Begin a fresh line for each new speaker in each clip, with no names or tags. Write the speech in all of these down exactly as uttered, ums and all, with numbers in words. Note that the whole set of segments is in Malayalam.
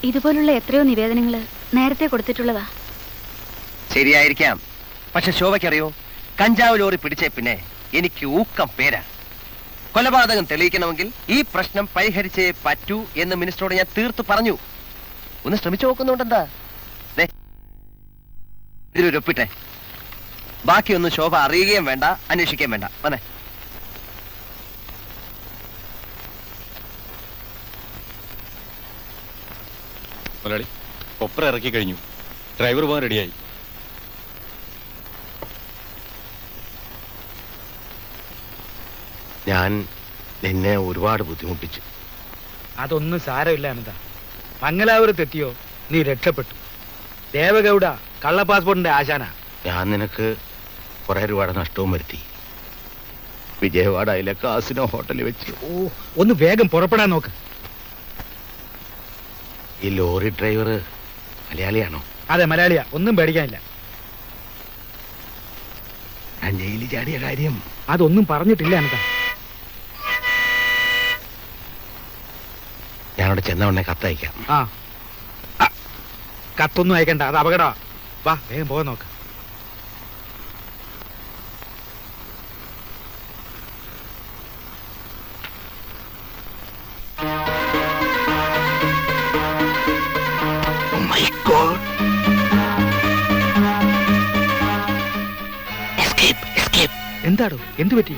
ഇതുപോലുള്ള എത്രയോ നിവേദനങ്ങൾ നേരത്തെ കൊടുത്തിട്ടുള്ളതാ.
ശരിയായിരിക്കാം. പക്ഷെ ശോഭയ്ക്കറിയോ, കഞ്ചാവ് ലോറി പിടിച്ചേ പിന്നെ എനിക്ക് ഊക്കം പേരാ. കൊലപാതകം തെളിയിക്കണമെങ്കിൽ ഈ പ്രശ്നം പരിഹരിച്ചേ പറ്റൂ എന്ന് മിനിസ്റ്ററോട് ഞാൻ തീർത്തു പറഞ്ഞു. ഒന്ന് ശ്രമിച്ചു നോക്കുന്നുണ്ടെന്താ? ഇതിലൊരു ഒപ്പിട്ടെ. ബാക്കിയൊന്നും ശോഭ അറിയുകയും വേണ്ട, അന്വേഷിക്കുകയും വേണ്ട. വന്നേ.
മുതലാളി, കൊപ്ര ഇറക്കി കഴിഞ്ഞു. ഡ്രൈവർ പോകാൻ റെഡിയായി.
ഞാൻ നിന്നെ ഒരുപാട് ബുദ്ധിമുട്ടിച്ചു.
അതൊന്നും സാരമില്ല അനന്ത. മംഗലാപുരം തെറ്റിയോ നീ രക്ഷപ്പെട്ടു. ദേവഗൌഡ കള്ള പാസ്പോർട്ടിന്റെ ആശാന.
ഞാൻ നിനക്ക് കുറെ രൂപയുടെ നഷ്ടവും വരുത്തി. വിജയവാഡയിലെ കാസിനോ ഹോട്ടലിൽ വെച്ച്.
ഓ, ഒന്ന് വേഗം പുറപ്പെടാൻ നോക്ക്.
ഈ ലോറി ഡ്രൈവർ മലയാളിയാണോ?
അതെ, മലയാളിയാ. ഒന്നും പേടിക്കാനില്ല.
ഞാൻ ജയിലിൽ ചാടിയ കാര്യം
അതൊന്നും പറഞ്ഞിട്ടില്ല അനന്ത.
ഞാനവിടെ ചെന്ന ഉടനെ കത്തയക്കാം.
ആ, കത്തൊന്നും അയക്കണ്ട, അത് അപകട. വാ, വേഗം പോകാൻ നോക്ക്. എന്താടോ, എന്തു പറ്റി?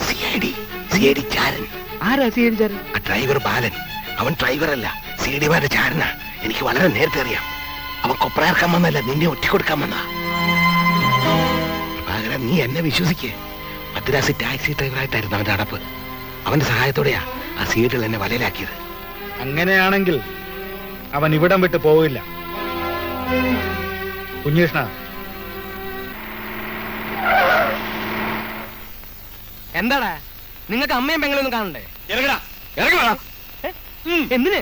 ആരാ സി ഐ ഡി ചാരൻ?
ഡ്രൈവർ ബാലൻ. അവൻ ഡ്രൈവറല്ല, സി ഡി മാരുടെ ചാരനാ. എനിക്ക് വളരെ നേരത്തെ അറിയാം. അവൻ കൊപ്രയർക്കാൻ വന്നല്ല, നിന്നെ ഒറ്റിക്കൊടുക്കാൻ വന്നാ. പകരം നീ എന്നെ വിശ്വസിക്കേ. മദ്രാസ് ടാക്സി ഡ്രൈവറായിട്ടായിരുന്നു അവന്റെ അടപ്പ്. അവന്റെ സഹായത്തോടെയാ ആ സീഡിൽ എന്നെ വലയിലാക്കിയത്.
അങ്ങനെയാണെങ്കിൽ അവൻ ഇവിടം വിട്ട് പോവില്ല. കുഞ്ഞികൃഷ്ണ,
എന്താടാ നിങ്ങൾക്ക് അമ്മയും പെങ്ങളൊന്നും കാണണ്ടേ?
ഇറങ്ങടാ, ഇറങ്ങടാ.
എന്തിന്?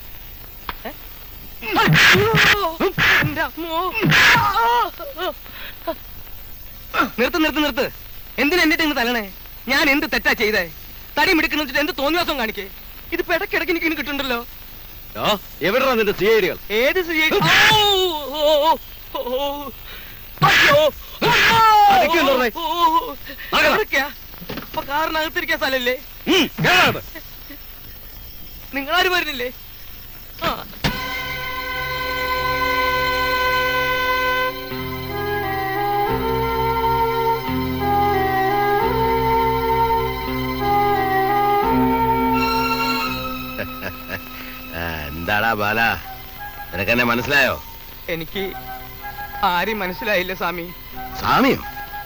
നിർത്ത് നിർത്ത് നിർത്ത്. എന്തിനാ എന്നിട്ട് ഇങ്ങ് തല്ലണേ? ഞാൻ എന്ത് തെറ്റാ ചെയ്തേ? തടി മിടുക്കുന്ന വെച്ചിട്ട് എന്ത് തോന്നിവാസം കാണിക്കേ? ഇതിപ്പോ ഇടയ്ക്കിടയ്ക്ക് എനിക്ക് കിട്ടുന്നുണ്ടല്ലോ.
എവിടെയാണ് നിന്റെ സി ഐ ഡികൾ?
ഏത് സി ഐ ഡി? കാറിനകത്തിരിക്കാൻ സ്ഥലല്ലേ? നിങ്ങളാരും വരുന്നില്ലേ? ആ,
എന്താടാ ബാല, നിനക്കെന്നെ മനസ്സിലായോ?
എനിക്ക് ആരും മനസ്സിലായില്ല സ്വാമി.
സ്വാമിയോ?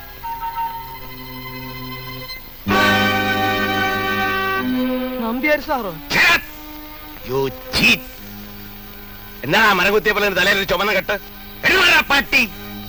നമ്പ്യാർ സാറോ?
എന്നാ മരകുത്തിയ പോലെ തലയിൽ ചുമന്ന കെട്ട്? പട്ടി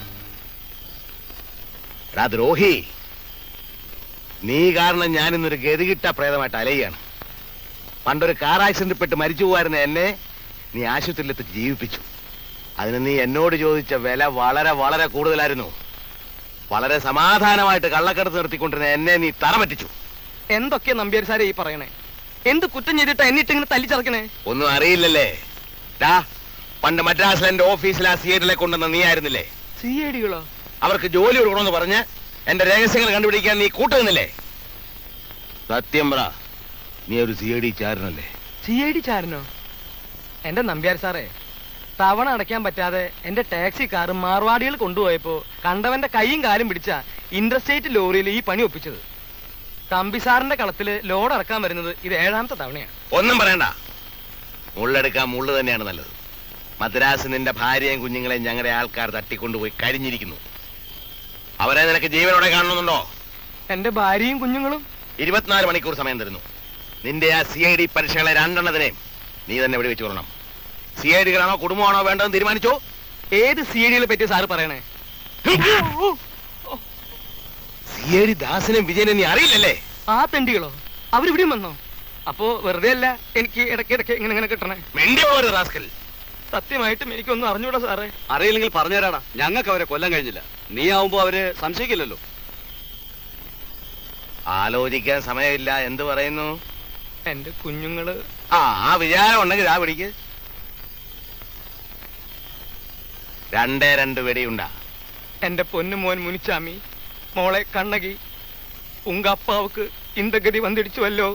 ദ്രോഹി, നീ കാരണം ഞാനിന്നൊരു ഗതികിട്ട പ്രേതമായിട്ട് അലയുകയാണ്. പണ്ടൊരു കാർ ആക്സിഡന്റ് പെട്ട് മരിച്ചു പോകാരുന്ന എന്നെ നീ ആശുപത്രിയിലെത്തി ജീവിപ്പിച്ചു. അതിന് നീ എന്നോട് ചോദിച്ച വില വളരെ വളരെ കൂടുതലായിരുന്നു. വളരെ സമാധാനമായിട്ട് കള്ളക്കടത്ത് നിർത്തിക്കൊണ്ടിരുന്ന എന്നെ നീ തറ പറ്റിച്ചു.
എന്തൊക്കെയാ നമ്പ്യാർ സാറേ ഈ പറയണേ? എന്ത് കുറ്റം ചെയ്തിട്ടാ എന്നിട്ട് ഇങ്ങനെ തല്ലിച്ചറക്കണേ?
ഒന്നും അറിയില്ലല്ലേ? പണ്ട് മദ്രാസിൽ എന്റെ ഓഫീസിൽ ആ സി ഐ ഡികളെ കൊണ്ടുവന്ന നീ ആയിരുന്നില്ലേ?
സി ഐ ഡികളോ?
അവർക്ക് ജോലി കൊടുക്കണമെന്ന് പറഞ്ഞ് എന്റെ രഹസ്യങ്ങൾ കണ്ടുപിടിക്കാൻ നീ കൂട്ടുന്നില്ലേ? സത്യം പറ, നീ ഒരു സി ഐ ഡി ചാരനല്ലേ?
സി ഐ ഡി ചാരനോ? എന്റെ നമ്പ്യാർ സാറേ, തവണ അടയ്ക്കാൻ പറ്റാതെ എന്റെ ടാക്സി കാർ മാർവാടികൾ കൊണ്ടുപോയപ്പോ കണ്ടവന്റെ കൈയും കാലും പിടിച്ച ഇന്റർസ്റ്റേറ്റ് ലോറിയിൽ ഈ പണി ഒപ്പിച്ചത്. തമ്പി സാറിന്റെ കളത്തില് ലോഡ് ഇറക്കാൻ വരുന്നത് ഇത് ഏഴാമത്തെ തവണയാണ്.
ഒന്നും പറയണ്ട, മുള്ളെടുക്കാൻ മുള്ളു തന്നെയാണ് നല്ലത്. മദ്രാസ് നിന്റെ ഭാര്യയും കുഞ്ഞുങ്ങളെയും ഞങ്ങളുടെ ആൾക്കാർ തട്ടിക്കൊണ്ടുപോയി കരിഞ്ഞിരിക്കുന്നു. അവരെ നിനക്ക് ജീവനോടെ കാണണമെന്നുണ്ടോ?
എന്റെ ഭാര്യയും കുഞ്ഞുങ്ങളും
ഇരുപത്തിനാല് മണിക്കൂർ സമയം തരുന്നു. നിന്റെ ആ സി ഐ ഡി പരീക്ഷകളെ രണ്ടെണ്ണത്തിനെയും നീ തന്നെ ഇവിടെ വെച്ച് കൊള്ളണം. സി ഐ ഡികളാണോ കുടുംബമാണോ വേണ്ടതെന്ന് തീരുമാനിച്ചോ?
ഏത് സി ഐ ഡികളെ പറ്റി സാറ് പറയണേ?
സി ഐ ഡി ദാസനും വിജയനും നീ അറിയില്ലല്ലേ?
ആ തെണ്ടികളോ? അവരിവിടെയും വന്നോ? അപ്പോ വെറുതെ അല്ല എനിക്ക് ഇടയ്ക്കിടയ്ക്ക് ഇങ്ങനെ ഇങ്ങനെ കിട്ടണേ. സത്യമായിട്ടും എനിക്കൊന്നും അറിഞ്ഞൂടാ സാറേ.
അറിയില്ലെങ്കിൽ പറഞ്ഞുതരാടാ, ഞങ്ങൾക്ക് അവരെ കൊല്ലാൻ കഴിഞ്ഞില്ല. നീ ആവുമ്പോ അവര് സംശയിക്കില്ലല്ലോ.
ആലോചിക്കാൻ സമയമില്ല. എന്ത് പറയുന്നു?
എന്റെ കുഞ്ഞുങ്ങള്.
ആ ആ വിചാരം ഉണ്ടെങ്കിൽ ആ പിടിക്ക്. രണ്ടേ രണ്ട് വെടിയുണ്ടാ.
എന്റെ പൊന്നു മോൻ മുനിച്ചാമി, മോളെ കണ്ണകി, ഉങ്ക അപ്പാവുക്ക് இந்த கதி வந்துடுச்சுவല്ലോ.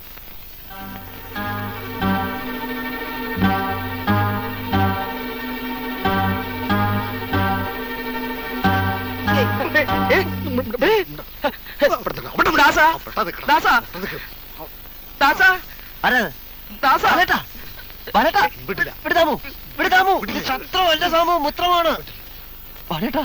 ദാസാ ദാസാ ദാസാ ദാസാ
വിടുതാമോ വിടുതാമോ ശത്രുവല്ല സാമു മുത്രമാണ്. ബാലേട്ടാ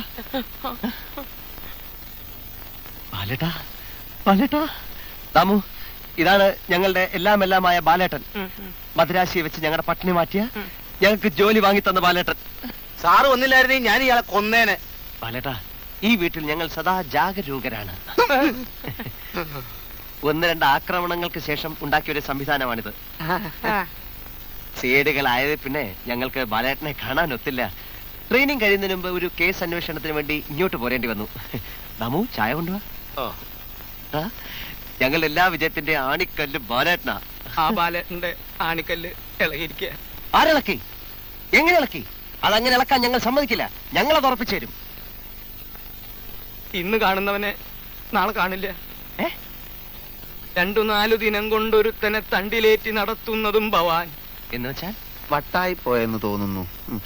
ബാലേട്ടാ ബാലേട്ടാ ദാമു, ഇതാണ് ഞങ്ങളുടെ എല്ലാം എല്ലാമായ ബാലേട്ടൻ. മദ്രാശിയെ വെച്ച് ഞങ്ങളുടെ പട്ടിണി മാറ്റിയ ഞങ്ങൾക്ക് ജോലി വാങ്ങി തന്ന ബാലേട്ടൻ.
സാറ് വന്നില്ലായിരുന്നെങ്കിൽ ഞാൻ ഇയാളെ കൊന്നേനെ.
ബാലേട്ടാ, ഈ വീട്ടിൽ ഞങ്ങൾ സദാ ജാഗരൂകരാണ്. ഒന്ന് രണ്ട് ആക്രമണങ്ങൾക്ക് ശേഷം ഉണ്ടാക്കിയ ഒരു സംവിധാനമാണിത്. സേടുകളായത് പിന്നെ ഞങ്ങൾക്ക് ബാലേട്ടനെ കാണാൻ ഒത്തില്ല. ട്രെയിനിങ് കഴിയുന്നതിന് മുമ്പ് ഒരു കേസ് അന്വേഷണത്തിന് വേണ്ടി ഇങ്ങോട്ട് പോരേണ്ടി വന്നു. ദമു, ചായ കൊണ്ടുവാ. ഞങ്ങൾ എല്ലാ വിജയത്തിന്റെ ആണിക്കല്ല് ബാലേട്ടനാ.
ആ ബാലേട്ടന്റെ ആണിക്കല്ല് ഇളകിയിരിക്കുക.
ആരിളക്കി? എങ്ങനെ ഇളക്കി? അതങ്ങനെ ഇളക്കാൻ ഞങ്ങൾ സമ്മതിക്കില്ല. ഞങ്ങളത് ഉറപ്പിച്ചു തരും.
ഇന്ന് കാണുന്നവനെ നാളെ കാണില്ല.
ഏ?
രണ്ടു നാലു ദിനം കൊണ്ടൊരുത്തനെ തണ്ടിലേറ്റി നടത്തുന്നതും ഭവാൻ
എന്ന് വെച്ചാൽ
വട്ടായി പോയെന്ന് തോന്നുന്നു.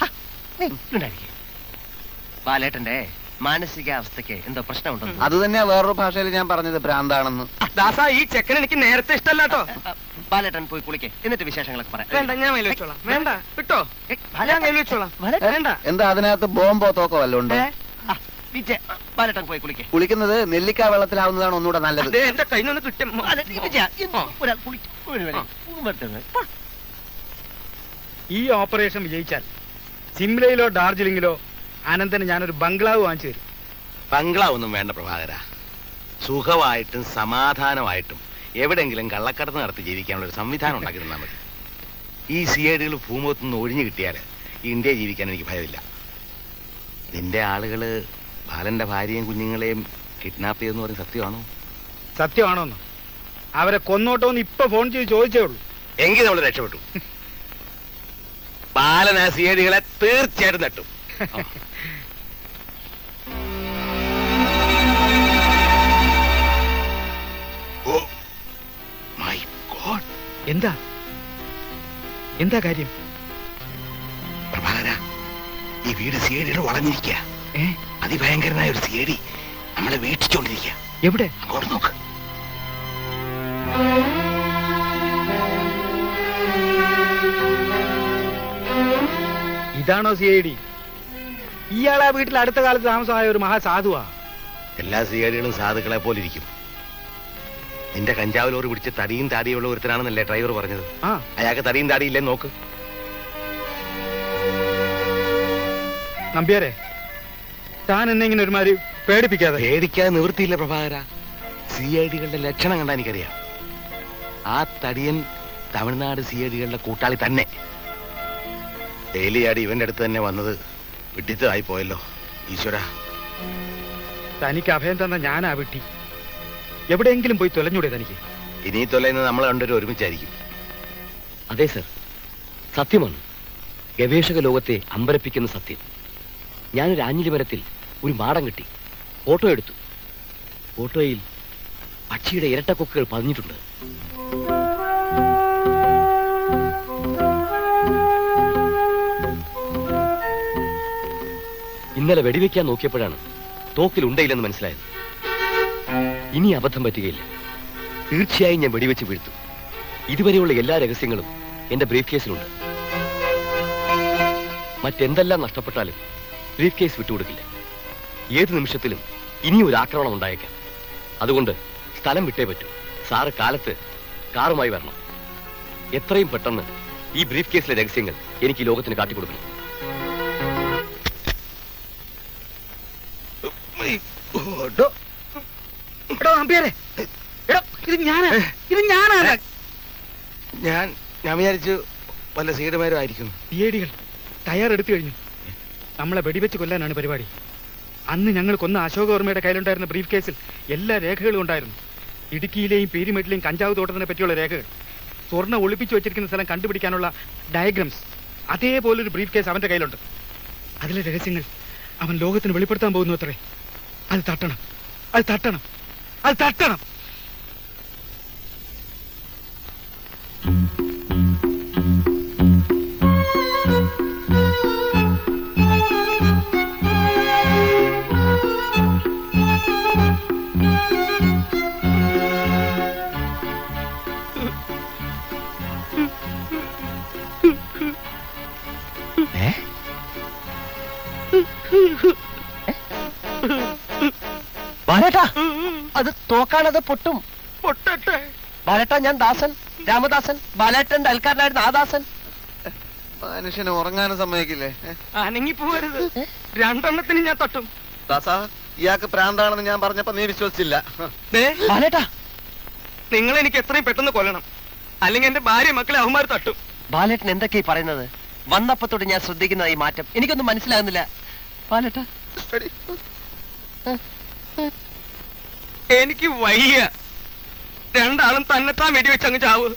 ബാലേട്ടന്റെ മാനസികാവസ്ഥക്ക് എന്തോ പ്രശ്നമുണ്ടെന്ന്.
അത് തന്നെയാ വേറൊരു ഭാഷയിൽ ഞാൻ പറഞ്ഞത്, ഭ്രാന്താണെന്ന്.
ദാസാ, ഈ ചെക്കൻ എനിക്ക് നേരത്തെ ഇഷ്ടമല്ലാട്ടോ.
ബാലേട്ടൻ പോയി കുളിക്കേ, എന്നിട്ട് വിശേഷങ്ങളൊക്കെ പറയാം.
വേണ്ട, ഞാൻ കയ്യിൽ വെച്ചോളാം. വേണ്ട, വിട്ടോ, ഞാൻ കയ്യിൽ വെച്ചോളാം. വേണ്ട.
എന്താ അതിനകത്ത് ബോംബോ തോക്കോ വല്ലതും ഉണ്ട്?
ആ, വിജയ്, ബാലേട്ടൻ പോയി കുളിക്കേ.
കുളിക്കുന്നത് നെല്ലിക്ക വെള്ളത്തിലാവുന്നതാണ് ഒന്നുകൂടെ നല്ലത്.
ദേ, എന്റെ കയ്യിൽ നിന്ന് കിട്ടും.
ഒരാൾ കുളിച്ചു.
ഈ ഓപ്പറേഷൻ വിജയിച്ചാൽ സിംലയിലോ ഡാർജിലിംഗിലോ അനന്തന് ഞാനൊരു ബംഗ്ലാവ് വാങ്ങിച്ചു തരും.
ബംഗ്ലാവ് ഒന്നും വേണ്ട പ്രഭാകര. സുഖമായിട്ടും സമാധാനമായിട്ടും എവിടെങ്കിലും കള്ളക്കടത്ത് നടത്തി ജീവിക്കാനുള്ള ഒരു സംവിധാനം ഉണ്ടാക്കി തന്നാൽ മതി. ഈ സി ഐ ഡികൾ ഭൂമുഖത്തു നിന്ന് ഒഴിഞ്ഞു കിട്ടിയാൽ ഇന്ത്യ ജീവിക്കാൻ എനിക്ക് ഭയമില്ല. നിന്റെ ആളുകള് ബാലന്റെ ഭാര്യയും കുഞ്ഞുങ്ങളെയും കിഡ്നാപ്പ് ചെയ്തെന്ന് പറഞ്ഞ സത്യമാണോ?
സത്യമാണോന്ന് അവരെ കൊന്നോട്ടോന്ന് ഇപ്പൊ ഫോൺ ചെയ്ത് ചോദിച്ചേ ഉള്ളൂ.
എങ്കിൽ നമ്മൾ രക്ഷപ്പെട്ടു. ബാലൻ ആ സി ഐ ഡികളെ തീർച്ചയായിട്ടും തട്ടും. Oh my God!
എന്താ എന്താ കാര്യം?
പ്രഭാകര, ഈ വീട് സി ഐ ഡികൾ വളഞ്ഞിരിക്കുക.
ഏ,
അതിഭയങ്കരനായ ഒരു സി ഐ ഡി നമ്മളെ വീക്ഷിച്ചോണ്ടിരിക്കുക.
എവിടെ?
അങ്ങോട്ട് നോക്ക്.
ഇതാണോ സി ഐ ഡി? ഇയാളാ വീട്ടിൽ അടുത്ത കാലത്ത് താമസമായ ഒരു മഹാസാധുവാ.
എല്ലാ സി ഐ ഡികളും സാധുക്കളെ പോലെ ഇരിക്കും. നിന്റെ കഞ്ചാവ് ലോറി പിടിച്ച് തടിയും താടിയുള്ള ഒരുത്തനാണെന്നല്ലേ ഡ്രൈവർ പറഞ്ഞത്?
ആ,
അയാൾക്ക് തടിയും താടിയില്ലേ നോക്ക്.
നമ്പ്യാരെ, താൻ എന്നെ ഇങ്ങനെ ഒരുമാതിരി പേടിപ്പിക്കാതെ.
പേടിക്കാതെ നിവൃത്തിയില്ല പ്രഭാകര. സി ഐ ഡികളുടെ ലക്ഷണം കണ്ടാ എനിക്കറിയാം. ആ തടിയൻ തമിഴ്നാട് സി ഐ ഡികളുടെ കൂട്ടാളി തന്നെ. ഡെയിലി ആടി ഇവന്റെ അടുത്ത് തന്നെ വന്നത് വിട്ടിത്തമായി പോയല്ലോ. ഈശ്വര,
തനിക്ക് അഭയം തന്ന ഞാനാ വിട്ടി. എവിടെയെങ്കിലും പോയി തൊലഞ്ഞൂടെ തനിക്ക്?
ഇനി തൊലയുന്നത് നമ്മൾ രണ്ടുപേരും ഒരുമിച്ചായിരിക്കും.
അതെ സർ, സത്യമാണ്. ഗവേഷക ലോകത്തെ അമ്പരപ്പിക്കുന്ന സത്യം. ഞാനൊരു ആഞ്ഞിലി മരത്തിൽ ഒരു മാടം കിട്ടി, ഫോട്ടോ എടുത്തു. ഫോട്ടോയിൽ പക്ഷിയുടെ ഇരട്ടക്കൊക്കുകൾ പതിഞ്ഞിട്ടുണ്ട്. ഇന്നലെ വെടിവെക്കാൻ നോക്കിയപ്പോഴാണ് തോക്കിൽ ഉണ്ടയില്ലെന്ന് മനസ്സിലായത്. ഇനി അബദ്ധം പറ്റുകയില്ല. തീർച്ചയായും ഞാൻ വെടിവെച്ച് വീഴ്ത്തും. ഇതുവരെയുള്ള എല്ലാ രഹസ്യങ്ങളും എന്റെ ബ്രീഫ് കേസിലുണ്ട്. മറ്റെന്തെല്ലാം നഷ്ടപ്പെട്ടാലും ബ്രീഫ് കേസ് വിട്ടുകൊടുക്കില്ല. ഏത് നിമിഷത്തിലും ഇനിയും ഒരു ആക്രമണം ഉണ്ടായേക്കാം. അതുകൊണ്ട് സ്ഥലം വിട്ടേ പറ്റൂ. സാറ് കാലത്ത് കാറുമായി വരണം. എത്രയും പെട്ടെന്ന് ഈ ബ്രീഫ് കേസിലെ രഹസ്യങ്ങൾ എനിക്ക് ഈ ലോകത്തിന് കാട്ടിക്കൊടുക്കണം.
ഇത് ഞാനാ ഇത് ഞാനാ
ഞാൻ ഞാൻ വിചാരിച്ചു വല്ല സീഡുമാരും ആയിരിക്കും.
ഏടികൾ തയ്യാറെടുത്തു കഴിഞ്ഞു. നമ്മളെ വെടിവെച്ച് കൊല്ലാനാണ് പരിപാടി. അന്ന് ഞങ്ങൾ കൊന്ന അശോകവർമ്മയുടെ കയ്യിലുണ്ടായിരുന്ന ബ്രീഫ് കേസിൽ എല്ലാ രേഖകളും ഉണ്ടായിരുന്നു. ഇടുക്കിയിലെയും പീരിമേട്ടിലെയും കഞ്ചാവ് തോട്ടത്തിനെ പറ്റിയുള്ള രേഖകൾ, സ്വർണ്ണ ഒളിപ്പിച്ചു വെച്ചിരിക്കുന്ന സ്ഥലം കണ്ടുപിടിക്കാനുള്ള ഡയഗ്രംസ്, അതേപോലൊരു ബ്രീഫ് കേസ് അവന്റെ കയ്യിലുണ്ട്. അതിലെ രഹസ്യങ്ങൾ അവൻ ലോകത്തിന് വെളിപ്പെടുത്താൻ പോകുന്നു അത്രേ. അത് തട്ടണം, അത് തട്ടണം, അത് തട്ടണം.
ബാലേട്ടാ, അത് തോക്കാണത് പൊട്ടും.
പൊട്ടട്ടെ.
ബാലേട്ടാ, ഞാൻ ദാസൻ, രാമദാസൻ, ബാലേട്ടന്റെ അയൽക്കാരനായിരുന്ന ആ ദാസൻ.
മനുഷ്യനെ ഉറങ്ങാനും സമ്മതിക്കില്ലേ?
അനങ്ങി പോകരുത്. രണ്ടെണ്ണത്തിന് ഞാൻ തട്ടും.
ദാസാ, ഇയാൾക്ക് പ്രാന്താണെന്ന് ഞാൻ പറഞ്ഞപ്പോ നീ വിശ്വസിച്ചില്ല.
ദേ,
ബാലേട്ടാ,
നിങ്ങൾ എനിക്ക് എത്രയും പെട്ടെന്ന് കൊല്ലണം, അല്ലെങ്കിൽ എന്റെ ഭാര്യ മക്കളെ അവന്മാർ തട്ടും.
ബാലേട്ടൻ എന്തൊക്കെയാ പറയുന്നത്? വന്നപ്പത്തോട് ഞാൻ ശ്രദ്ധിക്കുന്ന ഈ മാറ്റം എനിക്കൊന്നും മനസ്സിലാകുന്നില്ല. ബാലേട്ടാ,
എനിക്ക് വയ്യ. രണ്ടാളും തന്നെത്താൻ വെടിവെച്ച് അങ്ങ് ചാവ്.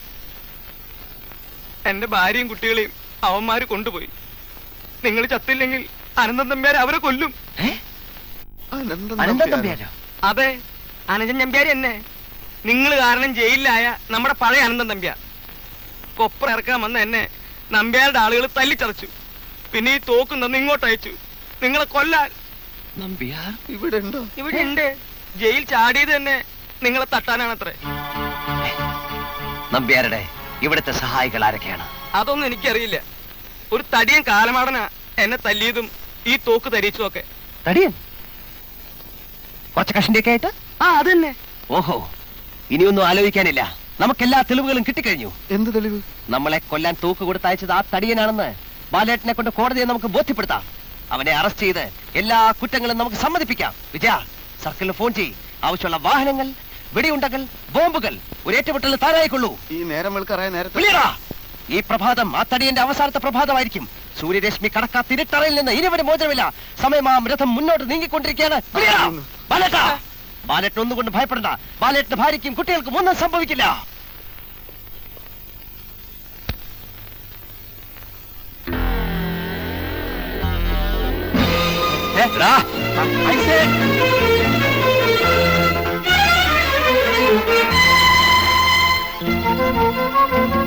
എന്റെ ഭാര്യയും കുട്ടികളെയും അവന്മാര് കൊണ്ടുപോയി. നിങ്ങൾ ചത്തില്ലെങ്കിൽ അനന്തൻ നമ്പ്യാരെ അവരെ കൊല്ലും.
അനന്തൻ തമ്പിയാരോ?
അതെ, അനന്തൻ നമ്പ്യാര് എന്നെ. നിങ്ങൾ കാരണം ജയിലിലായ നമ്മുടെ പഴയ അനന്തൻ നമ്പ്യാർ. കൊപ്പറ ഇറക്കാൻ വന്ന എന്നെ നമ്പ്യാരുടെ ആളുകൾ തല്ലിച്ചതച്ചു. പിന്നെ ഈ തോക്കും തന്ന് ഇങ്ങോട്ട് അയച്ചു, നിങ്ങളെ കൊല്ലാൻ.
നമ്പ്യാർ
ഇവിടെ ഉണ്ടോ?
ഇവിടെ ഉണ്ട്. ജയിൽ ചാടിയത് തന്നെ നിങ്ങളെ തട്ടാനാണത്രേ.
നമ്പ്യാരുടെ ഇവിടുത്തെ സഹായികൾ ആരൊക്കെയാണ്?
അതൊന്നും എനിക്കറിയില്ല. ഒരു തടിയൻ കാലമാടനാ എന്നെ തല്ലിയതും ഈ തോക്ക് തരിച്ചതും ഒക്കെ.
തടിയൻ? കുറച്ച് കഷിന്റെയൊക്കെ ആയിട്ട്?
ആ, അതന്നെ.
ഓഹോ, ഇനിയൊന്നും ആലോചിക്കാനില്ല. നമുക്കെല്ലാ തെളിവുകളും കിട്ടിക്കഴിഞ്ഞു.
എന്ത് തെളിവ്?
നമ്മളെ കൊല്ലാൻ തൂക്ക് കൊടുത്തയച്ചത് ആ തടിയനാണെന്ന് ബാലേട്ടനെ കൊണ്ട് കോടതിയെ നമുക്ക് ബോധ്യപ്പെടുത്താം. അവനെ അറസ്റ്റ് ചെയ്ത് എല്ലാ കുറ്റങ്ങളും നമുക്ക് സമ്മതിപ്പിക്കാം. വിജയ, സർക്കിളിൽ ഫോൺ ചെയ്യ്. ആവശ്യമുള്ള വാഹനങ്ങൾ, വെടിയുണ്ടകൾ, ബോംബുകൾ ഒരു ഏറ്റുമുട്ടൽ താനായിക്കൊള്ളൂ.
ഈ നേരം വെളുക്കറായ നേരത്തെ
വിളിയടാ. ഈ പ്രഭാതം ആ തടിയന്റെ അവസാനത്തെ പ്രഭാതമായിരിക്കും. സൂര്യരശ്മി കടക്കാത്ത ഇരുട്ടറയിൽ നിന്ന് ഇനിവരെ മോചനമില്ല. സമയമാം രഥം മുന്നോട്ട് നീങ്ങിക്കൊണ്ടിരിക്കുകയാണ്. വിളിയടാ. ബാലേട്ടാ, ബാലേട്ടൻ ഒന്നുകൊണ്ട് ഭയപ്പെടണ്ട. ബാലേട്ടന്റെ ഭാര്യയ്ക്കും കുട്ടികൾക്കും ഒന്നും സംഭവിക്കില്ല. ഏ, എടാ, ഐസേ.
ആ